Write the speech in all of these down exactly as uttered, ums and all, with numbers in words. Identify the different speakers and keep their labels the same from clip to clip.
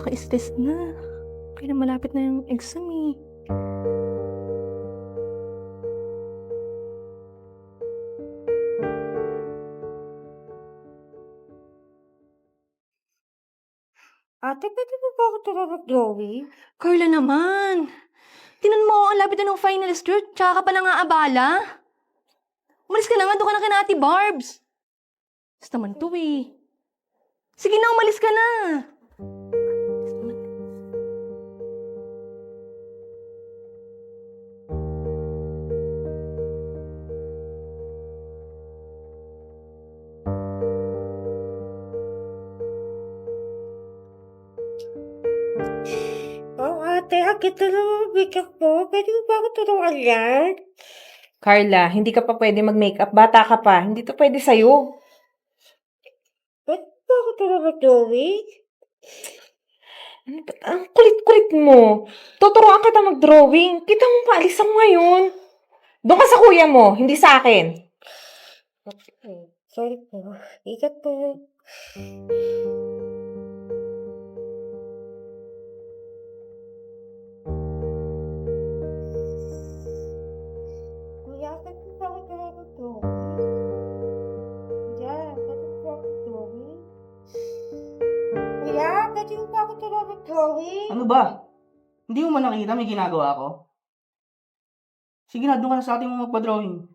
Speaker 1: nakaka-stress na. Kaya malapit na yung exam eh.
Speaker 2: Ate, pwede mo ba ako tumawag-drawing?
Speaker 1: Carla naman! Tinan mo, ang lapit na ng finals girl, tsaka ka pa nang aabala. Umalis ka na nga, doon ka na kina Ate Barbs. Basta naman to eh. Sige na, umalis ka na.
Speaker 2: Oh, ate, akit na naman makeup mo. Pwede mo ba ako turuan yan?
Speaker 3: Carla, hindi ka pa pwede mag-makeup. Bata ka pa. Hindi to pwede sa'yo.
Speaker 2: Pwede mo ba ako tumawag-drawing?
Speaker 3: Ano ba- Ang kulit-kulit mo. Tuturuan kita mag-drawing. Kita mo pa, alis mo ngayon. Doon ka sa kuya mo, hindi sa akin.
Speaker 2: Okay, sorry po. Ikat po. Kuya, pwede mo ba ako tumawag-drawing? Kuya, pwede mo ba ako drawing? Kuya, pwede mo ba ako tumawag-drawing?
Speaker 4: Ano ba? Hindi mo man nakita may ginagawa ako? Sige na, doon ka na sa ating mga magpa-drawing.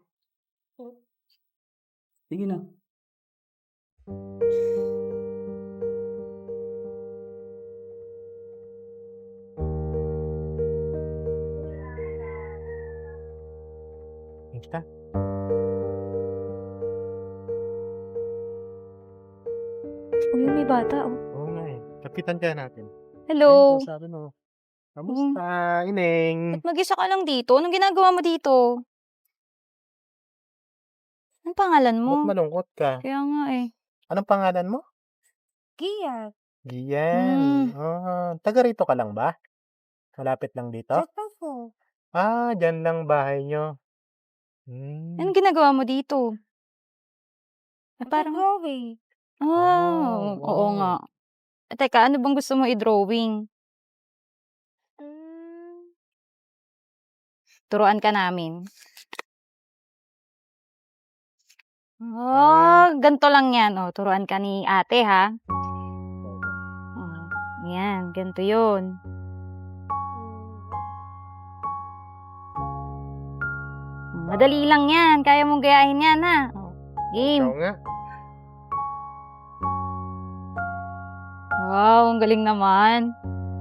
Speaker 4: Sige na.
Speaker 5: Kita.
Speaker 1: Uy, may bata oh.
Speaker 5: Oo nga eh. Kapitan kaya natin.
Speaker 1: Hello.
Speaker 5: Ayun, sabi mo. Kamusta, Ineng?
Speaker 6: Ba't mag-isa ka lang dito? Anong ginagawa mo dito? Anong pangalan mo?
Speaker 5: Ba't malungkot ka?
Speaker 6: Kaya nga eh.
Speaker 5: Anong pangalan mo?
Speaker 2: Gia,
Speaker 5: Gian.
Speaker 6: Hmm.
Speaker 5: Ah, taga rito ka lang ba? Malapit lang dito?
Speaker 2: chat po.
Speaker 5: Ah, dyan lang bahay nyo. Hmm.
Speaker 6: Anong ginagawa mo dito? Eh, parang,
Speaker 2: Drawing.
Speaker 6: ah,
Speaker 5: Oh,
Speaker 6: oo
Speaker 5: wow.
Speaker 6: nga. Eh, teka, ano bang gusto mo i-drawing?
Speaker 2: Mm,
Speaker 6: Turuan ka namin. Oh, ganito lang yan. Oh, turuan ka ni ate, ha? Oh, yan, ganito yun. Madali lang yan. Kaya mong gayahin yan, ha? Oh, game.
Speaker 5: Ikaw nga.
Speaker 6: Wow, ang galing naman.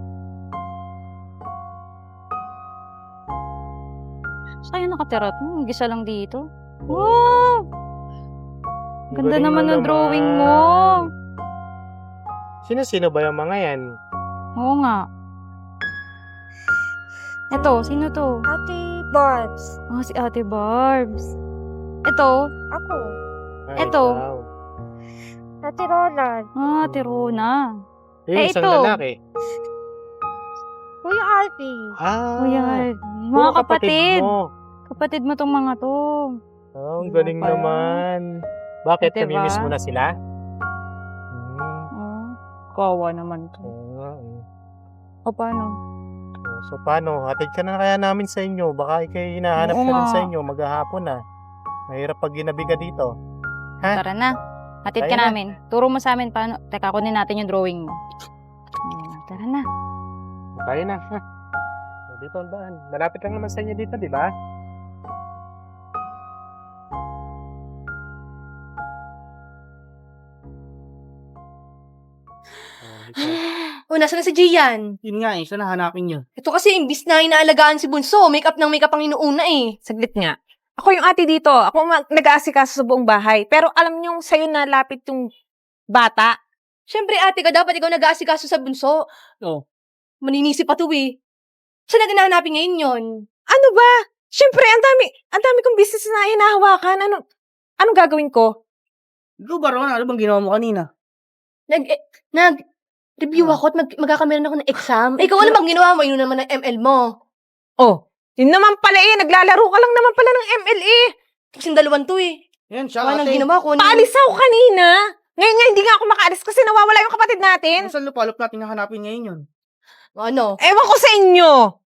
Speaker 6: Saan kayo nakatira? Hmm, mag-isa lang dito. Wow! Ganda
Speaker 5: Galing
Speaker 6: naman
Speaker 5: mo
Speaker 6: ng drawing mo.
Speaker 5: Sino-sino ba yung mga yan?
Speaker 6: Oo nga. Eto, sino to?
Speaker 2: Ate Barbs.
Speaker 6: Oh, si Ate Barbs. Eto,
Speaker 2: Ako.
Speaker 5: Ah,
Speaker 6: Eto.
Speaker 5: ikaw.
Speaker 2: Ate Roland.
Speaker 6: ah, Ate Rona.
Speaker 5: Eh,
Speaker 6: Eh,
Speaker 5: isang
Speaker 6: ito.
Speaker 5: lalaki.
Speaker 2: Kuya Alfie.
Speaker 5: Ah,
Speaker 6: Kuya,
Speaker 5: oo,
Speaker 6: mga kapatid.
Speaker 5: mo.
Speaker 6: Kapatid mo tong mga to.
Speaker 5: Oh, ang
Speaker 6: Diba
Speaker 5: galing
Speaker 6: pa?
Speaker 5: naman. Bakit?
Speaker 6: Diba?
Speaker 5: Namimiss mo na sila? Hmm.
Speaker 6: Oh, kawa naman to.
Speaker 5: Oo nga. eh.
Speaker 6: O, paano?
Speaker 5: Oh, So, paano? Hatid ka na kaya namin sa inyo. Baka ikay hinahanap
Speaker 6: Oo
Speaker 5: ka rin
Speaker 6: nga.
Speaker 5: sa inyo. Maghahapon na. Mahirap pag ginabi ka dito. Ha?
Speaker 6: Tara na. Hatid ka
Speaker 5: Tayo na.
Speaker 6: namin. Turo mo sa amin paano. Teka, kunin natin yung drawing mo. Hmm, tara na.
Speaker 5: Tayo na. Ha? So, dito ang bahan. Malapit lang naman sa inyo dito, di ba? Oh, ikaw.
Speaker 1: Oh, nasa na si Gian?
Speaker 4: Yun nga eh, saan hanapin niyo?
Speaker 1: Ito kasi, imbis na inaalagaan si Bunso, make-up ng make-up ang inuuna eh.
Speaker 3: Saglit nga. Ako yung ate dito. Ako ang mag- nag-aasikaso sa buong bahay. Pero alam niyong sa'yo na lapit yung bata.
Speaker 1: Siyempre, ate ka, dapat ikaw nag-aasikaso sa Bunso.
Speaker 4: Oo.
Speaker 1: Maninisi pa to eh. Saan natin nahanapin ngayon yun?
Speaker 3: Ano ba? Siyempre, ang dami, ang dami kong business na hinahawakan. Ano, anong gagawin ko?
Speaker 4: Ikaw ba, Ron? Ano bang ginawa mo kanina?
Speaker 1: Nag, eh, nag, review
Speaker 4: Ah.
Speaker 1: ako at mag, magkakameron ako ng exam. Eh, ikaw ano bang ginawa mo? Yun naman ng M L mo.
Speaker 3: Oh, yun naman pala eh. Naglalaro ka lang naman pala ng M L eh.
Speaker 1: Kasing dalawan to eh.
Speaker 4: Yan, siya
Speaker 1: Wala nang
Speaker 4: kasi.
Speaker 1: ginawa ko.
Speaker 3: Paalis ako kanina. Ngayon nga, hindi nga ako makaalis kasi nawawala yung kapatid natin.
Speaker 4: Saan lupalop natin hahanapin ngayon yun?
Speaker 1: Ano?
Speaker 3: Ewan ko sa inyo.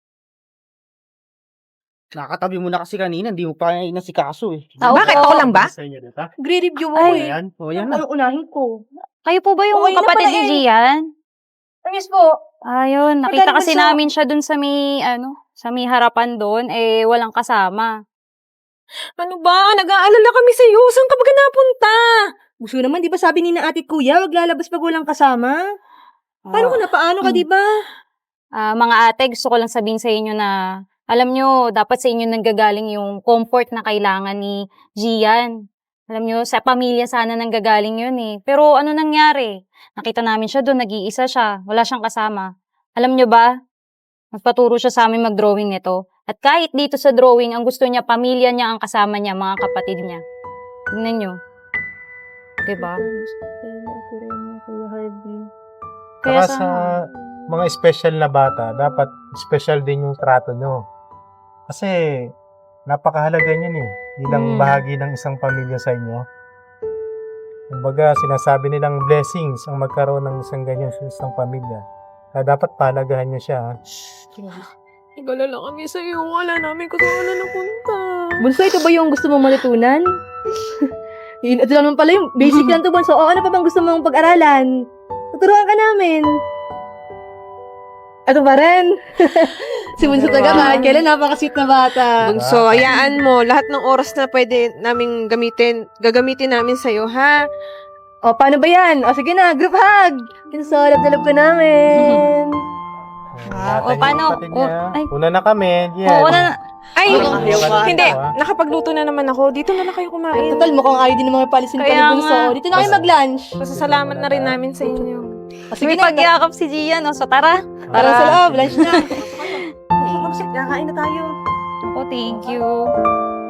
Speaker 4: Nakatabi mo na kasi kanina, hindi mo pa nasikaso eh.
Speaker 1: Tao
Speaker 3: Bakit?
Speaker 1: po.
Speaker 3: Ako lang ba?
Speaker 5: Sa inyo dito.
Speaker 1: Gre-review mo
Speaker 6: Ay.
Speaker 1: eh.
Speaker 5: Ayan.
Speaker 4: O, yan na.
Speaker 1: Ano unahin ko?
Speaker 6: Kayo po ba yung
Speaker 1: Okay na
Speaker 6: kapatid
Speaker 1: pala
Speaker 6: ni
Speaker 1: eh.
Speaker 6: Gian?
Speaker 1: Ayos po.
Speaker 6: Ayun, nakita
Speaker 1: Magaling
Speaker 6: kasi
Speaker 1: bunso.
Speaker 6: namin siya dun sa may, ano, sa may harapan doon, eh, walang kasama.
Speaker 3: Ano ba? Nag-aalala kami sa iyo. Saan ka ba napunta?
Speaker 2: Gusto naman, di ba sabi ni na ate kuya, wag lalabas pag walang kasama? Paano ko na, paano ka, di ba?
Speaker 6: Ah, mga ate, gusto ko lang sabihin sa inyo na, alam nyo, dapat sa inyo nanggagaling yung comfort na kailangan ni Gian. Alam nyo, sa pamilya sana nanggagaling yun eh. Pero ano nangyari? Nakita namin siya doon, nag-iisa siya, wala siyang kasama. Alam nyo ba, nagpaturo siya sa amin mag-drawing nito. At kahit dito sa drawing, ang gusto niya, pamilya niya ang kasama niya, mga kapatid niya. Tingnan nyo. Diba?
Speaker 5: Kaya sa mga special na bata, dapat special din yung trato nyo. Kasi napakahalaga niyan eh. Bilang
Speaker 6: Mm.
Speaker 5: bahagi ng isang pamilya sa inyo. Kumbaga, sinasabi nilang blessings ang magkaroon ng isang ganyan sa isang pamilya. Kaya dapat palagahan niyo siya. ha?
Speaker 3: Nag-alala kami sa iyo. Wala namin kung saan wala napunta.
Speaker 2: Bunso, ito ba yung gusto mong matutunan? Yun, ito lang naman pala yung basic lang to, Bunso. O, ano pa bang gusto mong pag-aralan? Tuturuan ka namin. Ito pa rin. si Bunso talaga, kahit kailan napaka-sweet na bata.
Speaker 3: Bunso, hayaan mo. Lahat ng oras na pwede namin gamitin, gagamitin namin sa iyo, ha?
Speaker 2: O, paano ba yan? O, sige na, group hug. Kinsolab-dalab ka namin.
Speaker 6: Wow.
Speaker 5: Ingatan
Speaker 6: O,
Speaker 5: niyo
Speaker 6: paano?
Speaker 5: yung kapatid
Speaker 6: O,
Speaker 5: niya.
Speaker 6: ay.
Speaker 5: Una na kami. Yan.
Speaker 6: Oo, na,
Speaker 3: Ay,
Speaker 5: Ayaw ka.
Speaker 3: hindi.
Speaker 5: Ah.
Speaker 3: Nakapagluto na naman ako. Dito na lang kayo kumain.
Speaker 2: Total, mukhang ayaw din ng mga palisin pa ni
Speaker 6: Kaya
Speaker 2: Bunso.
Speaker 6: nga.
Speaker 2: Dito na kayo mag-lunch.
Speaker 3: Pasasalamat na rin namin sa inyo.
Speaker 2: O, sige
Speaker 6: may
Speaker 2: na.
Speaker 6: pagyakap si Gian, o, so tara.
Speaker 2: Tara sa loob, lunch na.
Speaker 1: Kakain na tayo.
Speaker 6: Ako, thank you.